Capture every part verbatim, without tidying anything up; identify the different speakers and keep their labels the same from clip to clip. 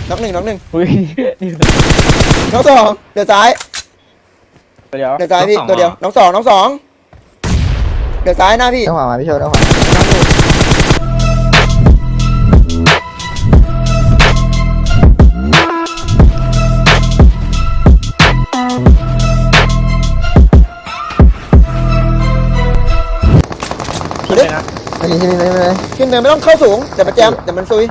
Speaker 1: น็อกหนึ่งน็อกหนึ่ง
Speaker 2: อุ้ย
Speaker 1: น็อกสองเดี๋ยวซ้าย
Speaker 2: เดี๋ยว
Speaker 1: เดี๋ยวซ้ายพี่ตัวเดียวน็อกสองน็อกสองเดี๋ยวซ้ายหน้าพี่
Speaker 3: ต้องขวามาพี่โชว์ต้องขวา
Speaker 2: พี่เลยนะ
Speaker 3: ไม่มีที่นี่ไม่มีเลย
Speaker 1: ขึ้นเนินไม่ต้องเข้าสูงเดี๋ยวมันแจมเดี๋ยวมันซุย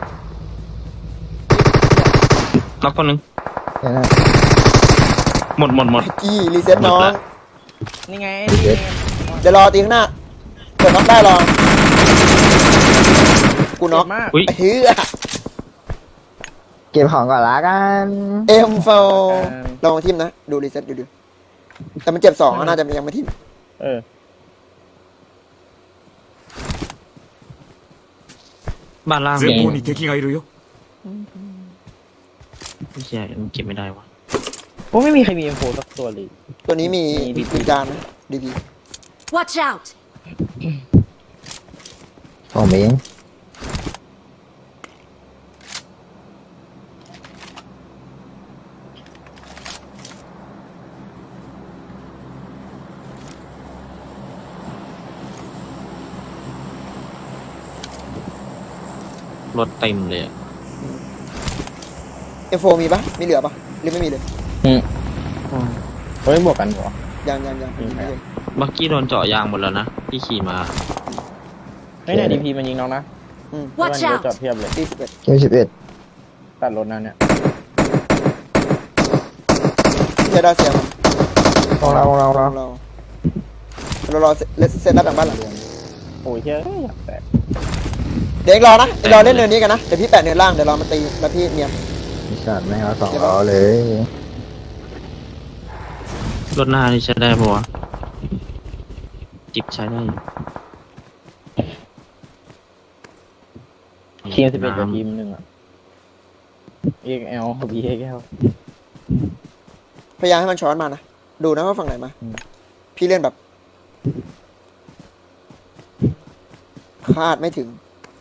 Speaker 4: ล็อกคนหนึง
Speaker 3: เห็นไหม
Speaker 4: หมดหมดหมด
Speaker 1: กี้รีเซ็ตน้อง
Speaker 2: นี่ไง
Speaker 1: เดี๋ยวรอตีข้างหน้าเกิดน็อกได้รอกูน็อก
Speaker 2: มาก
Speaker 4: อุ้ย
Speaker 1: เฮ้ย
Speaker 3: เก็บของก่อนละกัน
Speaker 1: เอ็มโฟลองทิมนะดูรีเซ็ตดูดูแต่มันเจ็บสองน่าจะยังไม่ทิม
Speaker 2: เออ
Speaker 4: บ้านล่าง
Speaker 5: 前
Speaker 4: มี
Speaker 5: 方に敵がいるよ。
Speaker 4: ไม่ใช่มันเก็บไม่ได้วะ
Speaker 2: โอ้ไม่มีใครมีเอ็มโฟสักตัวเลย
Speaker 1: ตัวนี้มี
Speaker 2: มี
Speaker 1: มีจานนะดีพี
Speaker 6: Watch out!
Speaker 3: ผมเอง
Speaker 4: รถเต็มเลยอะ
Speaker 1: เอ็มโฟมีปะมีเหลือปะหรือไม่มีเลย
Speaker 2: อืมเฮ้ยบวกกันเหรอ
Speaker 1: ยังยังยัง
Speaker 2: อืม
Speaker 1: ไม่เลย
Speaker 4: บักกี้โดนเจาะยางหมดแล้วนะที่ขี่มา
Speaker 2: ไม่เนี่ยดีพีมันยิงน้องนะ
Speaker 1: อืม
Speaker 6: Watch
Speaker 2: แล้วมัน
Speaker 6: out
Speaker 2: จอดเทียบเลย
Speaker 1: ตีสิบเอ็ด
Speaker 3: เกมสิบเอ็ด
Speaker 2: ตัดรถนั่นเนี่ย
Speaker 1: เสียดายเสียมัน
Speaker 3: ของเราของเราของ
Speaker 1: เรา
Speaker 3: เรา
Speaker 1: เราเรารอเซตเซตรับหลังบ้านหลัง
Speaker 2: โอ้ยเฮ้ยอยากแตก
Speaker 1: เดี๋ยวเองรอนะเองรอเล่นเนินนี้กันนะเดี๋ยวพี่แปะเนินล่างเดี๋ยวเรามาตีแล้วพี่เนียน
Speaker 3: มีสัตว์ไม่เอาสองล้อเลย
Speaker 4: รถหน้านี่ใช้ได้ปะวะจิบใช้ได้อยู่
Speaker 2: ทีมสิบเอ็ดกับทีมหนึ่งอ่ะเอ็กแอลบีเอ็กแอล
Speaker 1: พยายามให้มันช้อนมานะดูนะว่าฝั่งไหนมา
Speaker 2: อืม
Speaker 1: พี่เล่นแบบคาดไม่ถึง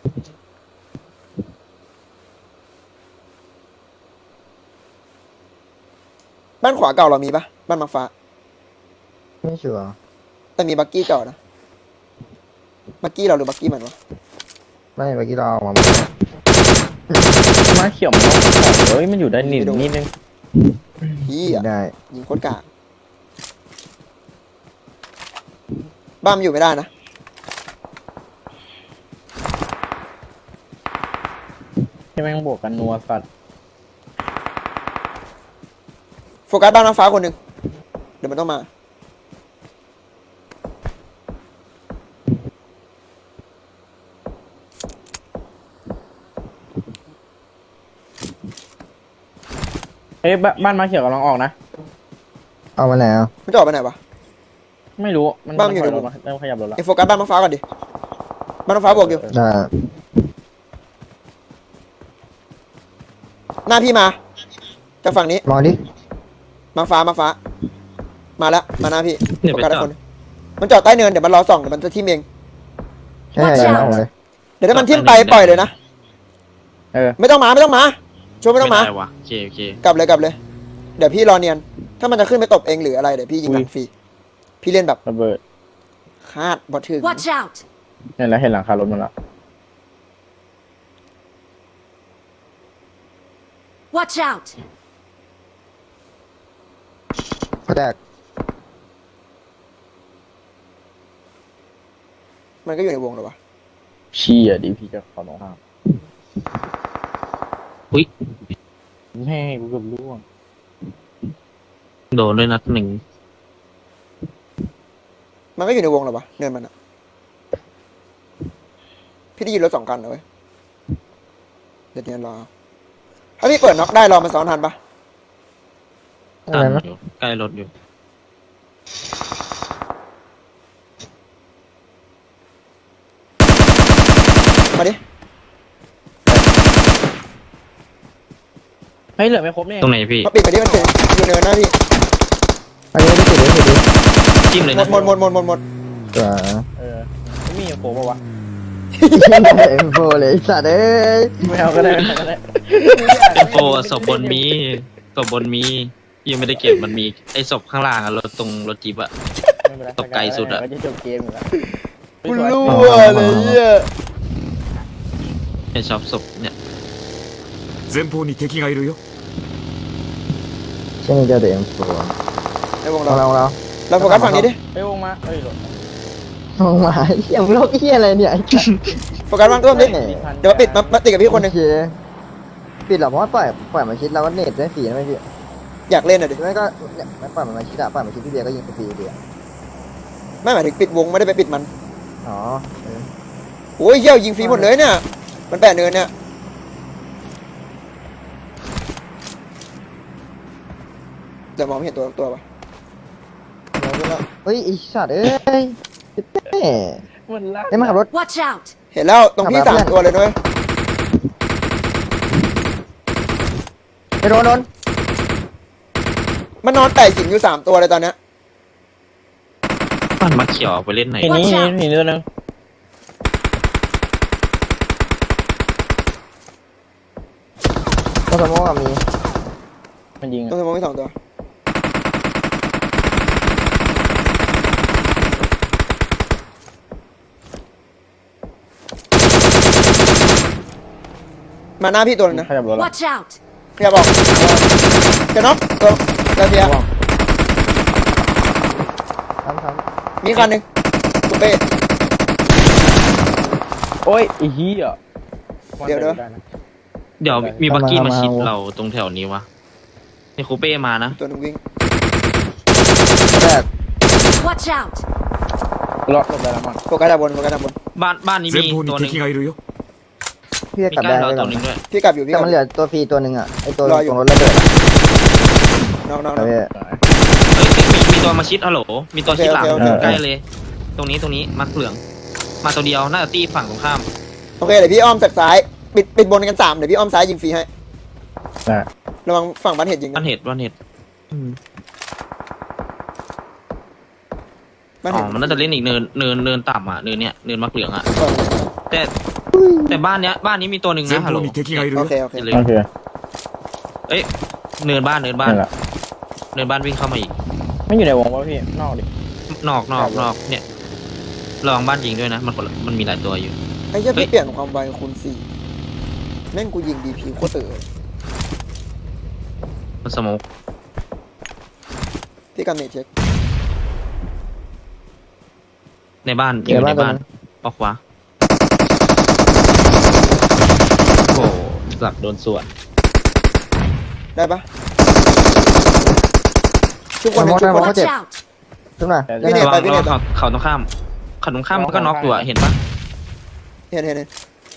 Speaker 1: บ้านขวาเก่าเรามีปะบ้านมังฟ้า
Speaker 3: ไม่ชัวร์
Speaker 1: แต่มีบักกี้จอดนะบักกี้เราหรือบักกี้มันวะ
Speaker 3: ไม่เมื่อกี้เราเอามา
Speaker 2: มาเขียวมันต้องขอเฮ้ยมันอยู่ได้นิดนิดนึง
Speaker 1: พี่
Speaker 3: ไม่
Speaker 1: อ่ะ
Speaker 3: ได้
Speaker 1: ยิงโคตรกากบ้านมันอยู่ไม่ได้นะ
Speaker 2: ที่แม่งบวกกันนัวสัตว์
Speaker 1: โฟกัสบ้านน้ำฟ้าคนหนึ่งเดี๋ยวมันต้องมา
Speaker 2: เฮ้ยบ้านบ้านมาเขียวกำลังออกนะ
Speaker 3: เอามาไหนอ่ะ
Speaker 1: มันจะออกไปไหนวะ
Speaker 2: ไม่รู้มัน
Speaker 1: บ้านมันอยู่
Speaker 2: ถ
Speaker 1: ใน
Speaker 2: ร
Speaker 1: ว
Speaker 2: ถ
Speaker 1: ง
Speaker 2: มาเริ่มขยับรถแล้ว
Speaker 1: เอ็งโฟกัสบ้านน้ำฟ้าก่อนดิบ้านน้ำฟ้าบวกอยู่
Speaker 3: น่า
Speaker 1: หน้าพี่มาจากฝั่งนี้
Speaker 3: มองดิ
Speaker 1: มาฟ้ามาฟ้า มาแล้วมาหน้าพี่
Speaker 4: เนี่ย
Speaker 1: โฟ
Speaker 4: ไป
Speaker 1: กัส
Speaker 4: จ
Speaker 1: ได้
Speaker 4: อ
Speaker 1: ค
Speaker 4: ด
Speaker 1: นหนึ่งมันจอดใต้เนินเดี๋ยวมันรอส่องเดี๋ยวมันจะทิ่มเอง
Speaker 3: ใช่ใช่มองเลย
Speaker 1: เดี๋ยวถ้ามันทิ่มไปปล่อยเลยนะ
Speaker 2: เออ
Speaker 1: ไม่ต้องมาไม่ต้องมาช่วยไม่ต้องมา
Speaker 4: ด้วะโอเคโอเค
Speaker 1: กลับเลยกลับเลย เดี๋ยวพี่รอเนียน ถ้ามันจะขึ้นไปตบเองหรืออะไรเดี๋ยวพี่ยิงหลังฟรีพี่เล่นแบบ
Speaker 2: ระเบิด
Speaker 1: คาดบอถึง
Speaker 6: Watch out!
Speaker 2: เนี่ยแล้วเห็นหลังคารถมันละ
Speaker 6: Watch out!
Speaker 3: เขาแตก
Speaker 1: มันก็อยู่ในวงเหรอวะ
Speaker 2: เชี่ยดีพีจะขอลงห้าม
Speaker 4: อุ้ย
Speaker 2: แม่กูเกือบล่วง
Speaker 4: โดนด้วยนัดหนึ่ง
Speaker 1: มันก็อยู่ในวงเหรอวะเนินมันอะพี่ได้ยินรถสองคันนะเว้ยเดี๋ยวเนียนรอถ้าพี่เปิดน็อกได้รอมาซ้อนทันปะ
Speaker 3: อะ
Speaker 4: ตั
Speaker 3: ไร
Speaker 4: น
Speaker 3: นะ
Speaker 4: อยู่ใกล้รถอยู่
Speaker 1: มาดิ
Speaker 2: เฮ้ยเหลือไม่ครบเนี่ย
Speaker 4: ตรงไหนพี่
Speaker 1: มาปิดไปดิมันเฉยอยู่เนินนะพี่
Speaker 3: อันนี้ไม่ติดเลยติดดิ
Speaker 4: จิ้มเลย
Speaker 1: หม
Speaker 4: นะ
Speaker 1: ดหมดหมดหมดหมดหมด
Speaker 3: ตัว
Speaker 2: เออไม่มีโครบป่าวะ
Speaker 3: เอ็มโฟเลยไอ้สัตว์เอ้ย
Speaker 2: ไม่เอาก็ได้ไม่เอาก็ได้
Speaker 4: เป็นโฟศพบนมีศพบนมียังไม่ได้เก็บมันมีไอ้ศพข้างล่างอะรถตรงรถจีบอะ
Speaker 2: ไม่เป็นไร
Speaker 4: ตกไกลสุดอะ
Speaker 2: ก็จะจบเกมอยู่แล้ว
Speaker 1: กูรู้เลยเหี้ย
Speaker 4: ไอ้ชอบศพเนี่ย
Speaker 5: 前方に敵がいるよ。
Speaker 3: ใช่ไหมเจ้าเอ็มโฟ
Speaker 1: ในวง
Speaker 3: เรา
Speaker 1: เรา
Speaker 3: เราเรา
Speaker 1: เราโฟกัสฝั่งนี้ดิ
Speaker 2: ไปวงมาเอ้ยหลบ
Speaker 3: ลงมาเหี้ยมึงโลกเหี้ยอะไรเนี่ยไอ้สัตว์
Speaker 1: โฟกัสฝั่งต้นดิเดี๋ยวมาปิดมามาติดกับพี่คนหนึ่ง
Speaker 3: โอเปิดหรอเพราะว่าปล่อยปล่อยมาชิดเราก็เน็ตได้ฟรีนะไม่พี่
Speaker 1: อยากเล่นอ่ะดิ
Speaker 3: ไม่ก็เนี่ยไม่ปล่อยมันมาชิดอะปล่อยมาชิดพี่เบียร์ก็ยิงฟรีเดียว
Speaker 1: ไม่หมายถึงปิดวงไม่ได้ไปปิดมัน
Speaker 3: อ๋อเออ
Speaker 1: โอ้ยเหี้ยยิงฟรีหมดเลยเนี่ยมันแปะเนินเนี่ยเดี๋ยวมองไม่เห็นตัวตัวปะ
Speaker 3: เราก็แล้วเฮ้ยไอ้สัตว์เอ้ยเอ้ย
Speaker 2: มันลาก
Speaker 3: ได้มาขับรถ
Speaker 6: Watch out!
Speaker 1: เห็นแล้วตรงพี่
Speaker 3: ขับ
Speaker 1: สาม
Speaker 3: มาเพื่อน
Speaker 1: ตัวเลยด้วย
Speaker 3: ไปโดนโดน
Speaker 1: มันนอนแตะหินอยู่สามตัวเลยตอนเนี้ย
Speaker 4: บ้านมาเขียวไปเล่นไหน
Speaker 2: ทีนี้
Speaker 6: Watch out
Speaker 2: ทีนี้ตัวนึง
Speaker 3: ก็สมมติว่ามี
Speaker 2: มันยิง
Speaker 1: ตรงสมองมีสองตัวมาหน้าพี่ตัวนึงนะ
Speaker 2: ขยับรถละ
Speaker 6: Watch out!
Speaker 1: พี่จะบอกจะน็อกตัวเดี๋ยวเพีย
Speaker 2: ระวัง
Speaker 3: ทำทำ
Speaker 1: มีคันหนึ่งกูเป้
Speaker 2: โอ้ยไอ้เหี้ย
Speaker 1: เดี๋ยวเดี๋ยว
Speaker 2: ไนะ
Speaker 4: เดี๋ยวมีบักกี้มาชิดเราตรงแถวนี้วะนี่คูเป้มานะ
Speaker 1: ตัวหนึงวิ่ง
Speaker 3: แรก
Speaker 6: Watch out!
Speaker 2: รอดหลบได้แล้วมั้ง
Speaker 1: โฟกัสด้านบนโฟกัสด้านบน
Speaker 4: บ้านบ้านนี้
Speaker 5: 前
Speaker 4: มี
Speaker 5: 方
Speaker 4: ตัวห
Speaker 5: に
Speaker 4: นึ่ง
Speaker 5: 敵がいるよ。
Speaker 3: พี่จะ
Speaker 4: มี
Speaker 3: กลับ
Speaker 4: ใกล้
Speaker 3: ได้
Speaker 4: เรา
Speaker 3: ไหม
Speaker 4: ตัวหนึ่งด้วย
Speaker 1: พี่กลับอยู่พี่ก
Speaker 3: แต่
Speaker 1: ลับ
Speaker 3: มันเหลือตัวฟรีตัวหนึ่งอ่ะไอตัว
Speaker 1: รออยู่
Speaker 3: ตรงรถระเบิดอะ
Speaker 1: น้องน้อง
Speaker 3: เอา
Speaker 1: น้อง
Speaker 3: ไว้
Speaker 4: เอ้ยมีมีตัวมาชิดฮัลโหลมีตัวชิดหลัง
Speaker 1: โอเคโอเค
Speaker 4: ใกล้เลย ตรงนี้ตรงนี้มักเหลือง มาตัวเดียวน่าจะตีฝั่งตรงข้าม
Speaker 1: โอเคเดี๋ยวพี่อ้อมจากซ้ายปิดปิดบนกันสามเดี๋ยวพี่อ้อมซ้ายยิงฟรีให้
Speaker 2: ได้
Speaker 1: ระวังฝั่งบ้านเห็ดยิง
Speaker 4: บ้า
Speaker 1: นะ
Speaker 4: นเห็ดบ้านเห็ดอืม
Speaker 1: บ้าน
Speaker 4: อ๋
Speaker 1: เห็
Speaker 4: อ
Speaker 1: ด
Speaker 4: มันน่าจะเล่นอีกเนินเนินเนินต่ำอ่ะเนินเนี้ยเนินมักเหลืองอ่ะ
Speaker 1: เออ
Speaker 4: แต่แต่บ้านเนี้ยบ้านนี้มีตัวหนึ่ง
Speaker 5: 前
Speaker 4: นะฮัลโหล
Speaker 5: 方に敵がいる
Speaker 1: โอ
Speaker 5: よ
Speaker 1: เค。โอเค
Speaker 4: อย่าลืม
Speaker 2: โอเค
Speaker 4: เอ้ยเนินบ้านเนินบ้าน
Speaker 2: นั่นแหละ
Speaker 4: เนินบ้านวิ่งเข้ามาอีก
Speaker 2: ไม่อยู่ในวงวะพี่นอกดิ
Speaker 4: นอกนอกนอกเนี่ยลองบ้านยิงด้วยนะ มันคนละมันมีหลายตัวอยู่
Speaker 1: ไอ้เหี้ย
Speaker 4: เฮ้ย
Speaker 1: พี่เปลี่ยนความไวคูณสี่แม่งกูยิงดีพีโคตรเต๋อ
Speaker 4: มันสโมก
Speaker 1: พี่กันเนตเช็ค
Speaker 4: ในบ้านยิงอยู่ในบ้านออกขวาโอ้โหหลักโดนสวน
Speaker 1: ได้ปะทุกคนหนึ่งทุกคน
Speaker 6: Watch out!
Speaker 3: ขึ้นมา
Speaker 1: พี่เนต
Speaker 4: ระ
Speaker 1: ไป
Speaker 4: วัง
Speaker 1: พี่
Speaker 4: ระ
Speaker 1: เน
Speaker 4: วั
Speaker 1: ต
Speaker 4: ง
Speaker 1: ไป
Speaker 4: เขาเขาตรงข้ามเขาตรงข้ามมันก็น็อกอยู่อะเห็นปะ
Speaker 1: เห็นเห็นเห็น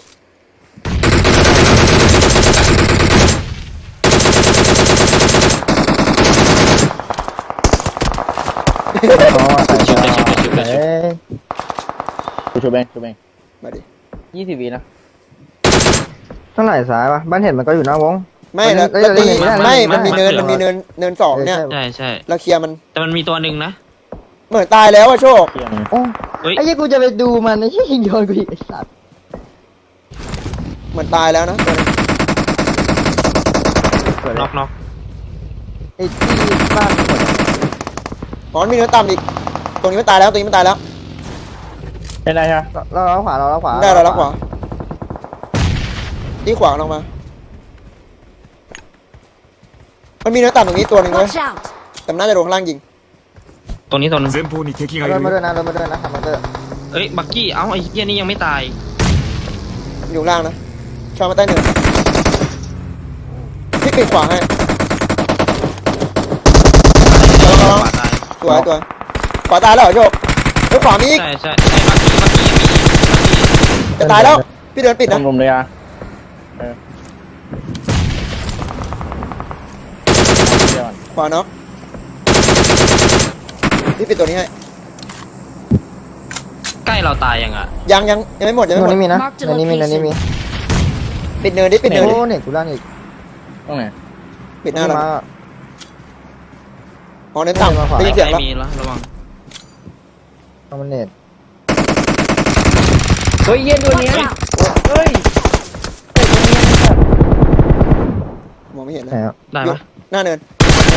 Speaker 3: อ๋อไอ้
Speaker 4: ชิบเลยชิบเลยชิบเลยชิบ
Speaker 3: เอ้ย
Speaker 2: กูชูเบงชูเบง
Speaker 1: มาดิ
Speaker 2: ยี่สิบวินะ
Speaker 3: เท่าไหร่สายวะบ้านเห็ดมันก็อยู่หน้าวง
Speaker 1: ไม่แล้ว
Speaker 3: เอ้ย
Speaker 1: แล้วตี
Speaker 3: เล่นไม่ได้
Speaker 1: ไม่
Speaker 3: เล่
Speaker 1: มัน
Speaker 3: นไม่
Speaker 1: มี
Speaker 3: ได้
Speaker 1: เนินมันมีเนินเนินสองเนี่ย
Speaker 3: เออ
Speaker 4: ใช่ใช่
Speaker 1: เราเคลียร์มัน
Speaker 4: แต่มันมีตัวหนึ่งนะ
Speaker 1: เหมือนตายแล้วอะโชค
Speaker 2: เที่ยง
Speaker 3: โอ้
Speaker 4: เฮ้ย
Speaker 3: ไอ้ยี่กูจะไปดูมันไอ้ยี่ยิงโยนกูอีกไอ้สัตว์
Speaker 1: เหมือนตายแล้วนะตัวนี้
Speaker 4: น็อกน็อก
Speaker 3: ไอ้ที่บ้านหมดอะ
Speaker 1: อ๋อมันมีเนินต่ำอีก ตรงนี้มันตายแล้วตรงนี้มันตายแล้ว
Speaker 2: เป็นไรฮะ
Speaker 3: เราเราขวาเราเราขวา
Speaker 1: ได้เราแล้วขวาที่ขวาลงมา มันมีเนินต่ำตรงนี้ตัวหนึ่งเลย
Speaker 6: Watch out!
Speaker 1: แต่มันน่าจะโดนข้างล่างยิง
Speaker 4: ตรงนี้ตัวหนึง
Speaker 5: 前方に敵がい
Speaker 3: เดิน
Speaker 5: る
Speaker 3: มาด้วย
Speaker 5: よ。
Speaker 3: นะเดินมาด้วยนะทำมาด้วย
Speaker 4: เอ้ยบักกี้เอ้าไอ้เหี้ยนี่ยังไม่ตาย
Speaker 1: อยู่ข้างล่างนะชอบมาใต้เนินพี่ปิดขวาให้
Speaker 4: ขวาตาย
Speaker 1: สวยตัวขวาตายแล้วเหรอโชคเฮ้ยขวามีอีก
Speaker 4: ใช่ใช่ไอ้บักกี้บักกี้ยังมีอีกบักกี้
Speaker 1: จะตายแล้ว พี่เดินปิดนะ
Speaker 2: รวมๆเลยอ่ะเออเดี๋ยวก่อน
Speaker 1: ขวาเนาะพี่ปิดตัวนี้ให้
Speaker 4: ใกล้เราตายยังอ่ะ
Speaker 1: ยังยังยังไม่หมดยัง
Speaker 3: ตั
Speaker 1: ไม่
Speaker 3: ว
Speaker 1: หมด
Speaker 3: นี้มีนะ
Speaker 6: Mark the
Speaker 3: ตัวนี้มีตัวนี้มี
Speaker 1: ปิดเนินดิปิดเนินดิ
Speaker 3: โอ้เนี่ยกูล่างอีก
Speaker 2: ตรงไหน
Speaker 1: ปิดหน้าเรา
Speaker 3: มา
Speaker 1: อ๋อเนินต่ำได้ยิน
Speaker 4: ใก
Speaker 1: เสียง
Speaker 4: ล้
Speaker 1: แล้ว
Speaker 4: มีแล้วระวัง
Speaker 3: คอมเน็ต
Speaker 2: เฮ้ยเย็นตัวเนี้ย
Speaker 6: Watch out!
Speaker 2: เฮ้ยเฮ้ยตัวเนี้ยนะครับ
Speaker 1: มองไม่เห็นเล
Speaker 3: ไหน
Speaker 1: ย
Speaker 3: อ่ะ
Speaker 4: ได้
Speaker 1: อยู่
Speaker 4: ปะ
Speaker 1: หน้าเนิน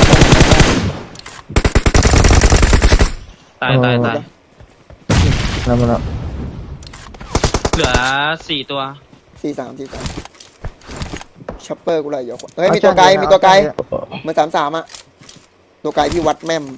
Speaker 4: ตายตายตาย
Speaker 3: แล้วมันแล้ว
Speaker 4: เหลือสี่ตัว
Speaker 1: สี่สามสี่สามช็อปเปอร์กูเลยเดี๋ยวเฮ้ยมีตัวไกลมีตัวไกลเหมือนสามสามอะตัวไกลที่วัดแม่ม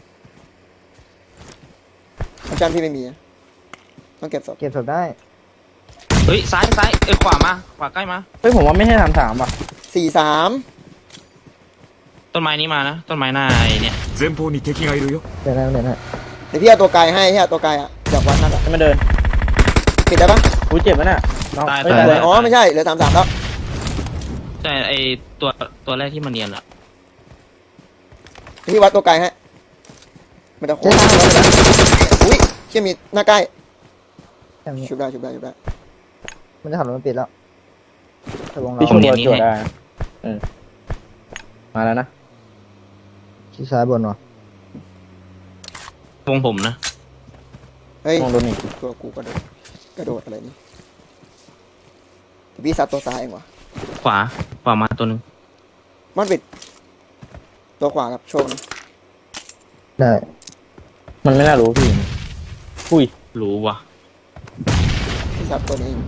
Speaker 1: อาจารย์พี่ไม่มีอะต้องเก็บศพ
Speaker 3: เก็บศพได้
Speaker 4: เฮ้ยซ้ายซ้ายเอ้ยขวามาขวาใกล้มา
Speaker 2: เฮ้ยผมว่าไม่ใช่สามสามป่ะ
Speaker 1: สี่สาม
Speaker 4: ต้นไม้นี้มานะต้นไม้หน้าไอ้เนี่ย
Speaker 5: 前方に敵がいるよ。
Speaker 3: เดี๋ยวนะเดี๋ยวนะ
Speaker 1: เดี๋ยวพี่เอาตัวไกลให้พี่เอาตัวไกลอะจากวัดนั่นอะ
Speaker 2: ให้มันเดิน
Speaker 1: ปิดได้ปะ
Speaker 2: กูเจ็บมันอ่ะน้อง
Speaker 4: ตาย
Speaker 2: เฮ้ย
Speaker 4: ตาย
Speaker 2: ตาย
Speaker 1: อ๋อไม่ใช่เหลือสามสามแล้ว
Speaker 4: ใช่ไอตัวตัวแรกที่มันเนียนอะ
Speaker 1: เดี๋ยวพี่วัดตัวไกลให้มันจะโค้งอุ้ยเชี่ยมีหน้าใกล้
Speaker 3: แค่นี้
Speaker 1: ชุบได้ชุบได้ชุบได้
Speaker 3: มันจะขับรถมาปิดแล้วถ้าวงเรา
Speaker 2: พี่ชมรถจวดได้นะเออมาแล้วนะ
Speaker 3: ชี้ซ้ายบนวะ
Speaker 4: วงผมนะ
Speaker 1: เฮ้ย
Speaker 2: มองโดนอีก
Speaker 1: ตัวกูกระโดดกระโดดอะไรนี่แต่พี่ซัดตัวซ้ายเองวะ
Speaker 4: ขวาขวามาตัวหนึง
Speaker 1: มันปิดตัวขวาครับโชว์นะ
Speaker 3: ได้
Speaker 2: มันไม่น่ารู้พี่อุ้ย
Speaker 4: รู้ว่ะ
Speaker 1: พี่ซัดตัวนี้เอง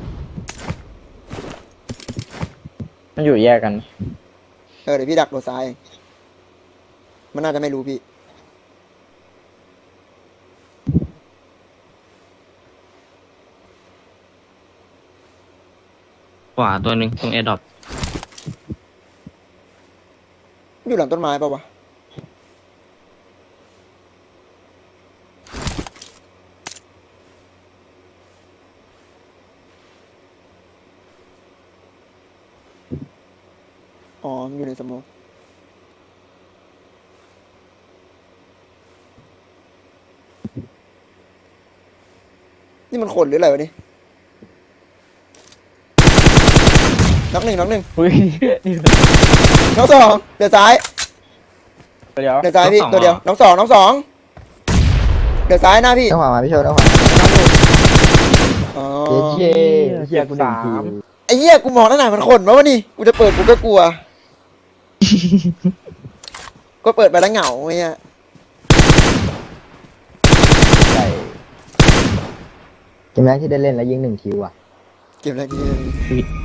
Speaker 2: มันอยู่แยกกัน
Speaker 1: เออเดี๋ยวพี่ดักตัวซ้ายเองมันน่าจะไม่รู้พี่
Speaker 4: ขวาตัวหนึ่งตรงแอร์ดรอป
Speaker 1: อยู่หลังต้นไม้ป่าวะอ๋อมันอยู่ในสโมองนี่มันขนหรืออะไรวะนี่น็อกหนึ่งน็อกหนึ่ง
Speaker 2: อุ้ย
Speaker 1: น็อกสองเดี๋ยวซ้าย
Speaker 2: เดี๋ยว
Speaker 1: เดี๋ยวซ้ายพี่ตัวเดียวน็อกสองน็อกสองเดี๋ยวซ้ายหน้าพี่
Speaker 3: ต้องขวามาพี่โชว์ต้องขวา
Speaker 1: อ๋อ
Speaker 3: เย้เย้เฮียกูหนึ่งคิว
Speaker 1: ไอ้เหี้ยกูมองตั้งนานมันขนมาวะนี่กูจะเปิดกูก็กลัว ก็เปิดไปแล้วเหงาไอ้เหี้ย
Speaker 3: ใช่เกมแรกที่ได้เล่นแล้วยิงหนึ่งคิวอ่ะ
Speaker 1: เกมอะไรดี
Speaker 4: ชีวิต